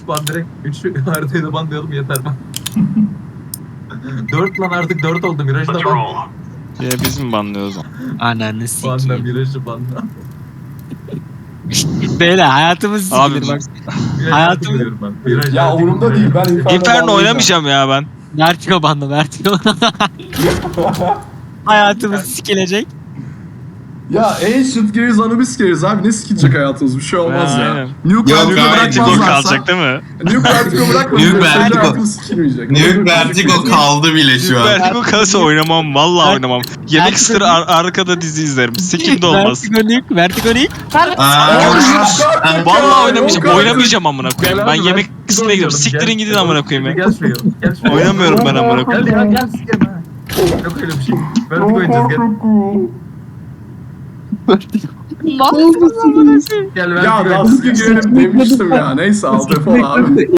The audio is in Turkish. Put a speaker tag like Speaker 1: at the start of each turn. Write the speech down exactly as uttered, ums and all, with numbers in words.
Speaker 1: üç ban direkt. üç haritayı da banlayalım yeter ben. dört lan artık dört oldu. Miraj'ı da ban.
Speaker 2: Ya biz mi banlıyoruz onu?
Speaker 3: Ananı
Speaker 1: Banla
Speaker 3: sikeyim.
Speaker 1: Miraj'ı banla.
Speaker 3: Beyler hayatımız
Speaker 2: Abi,
Speaker 3: sikilir bak.
Speaker 1: Miraj
Speaker 3: Hayatım-
Speaker 1: artık diyorum ben. Miraj
Speaker 4: Ya
Speaker 1: artık
Speaker 4: umurumda değil, ben Inferno
Speaker 2: Inferno
Speaker 4: banlayacağım.
Speaker 2: oynamayacağım ya ben.
Speaker 3: Vertigo bandı Vertigo. Hayatımız sikilecek.
Speaker 4: Ya Ancient Gears Anubis Gears abi, ne sikilecek hayatımız, bir şey olmaz ya.
Speaker 2: Aynen.
Speaker 4: Nuke
Speaker 5: Yok,
Speaker 4: Vertigo
Speaker 5: gayet
Speaker 2: Vertigo
Speaker 4: bırakmazlarsa.
Speaker 2: kalacak değil mi?
Speaker 4: Nuke Vertigo bırakmazlarsa.
Speaker 5: Nuke
Speaker 4: Nuke
Speaker 5: Vertigo-
Speaker 4: hayatımız sikilmeyecek.
Speaker 5: Nuke Vertigo kaldı bile şu an.
Speaker 2: Vertigo kalırsa oynamam. Vallahi
Speaker 3: Ver-
Speaker 2: oynamam. Yemek
Speaker 3: Vertigo-
Speaker 2: ısır ar- arkada dizi izlerim. Sikim de olmaz.
Speaker 3: Vertigo Nuke, Vertigo Nuke.
Speaker 5: Aa,
Speaker 2: Vallahi oynamayacağım.
Speaker 4: Yok
Speaker 2: Oynamayacağım amına koyayım.
Speaker 1: Gel
Speaker 2: Ben
Speaker 1: abi,
Speaker 2: yemek
Speaker 1: ben-
Speaker 2: kısmına gidiyorum.
Speaker 1: Gel,
Speaker 2: Siktirin gidin
Speaker 1: gel.
Speaker 2: amına koyayım ya.
Speaker 1: Gel şuraya. Gel şuraya.
Speaker 2: Oynamıyorum ben amına koyayım.
Speaker 1: Gel ya gel sikerim ha. Yok öyle bir şey. Vertigo oynayacağız gel. Gel Vertigo
Speaker 4: Ya
Speaker 1: oynayacağız.
Speaker 4: nasıl girelim demiştim ya, neyse al defol abi.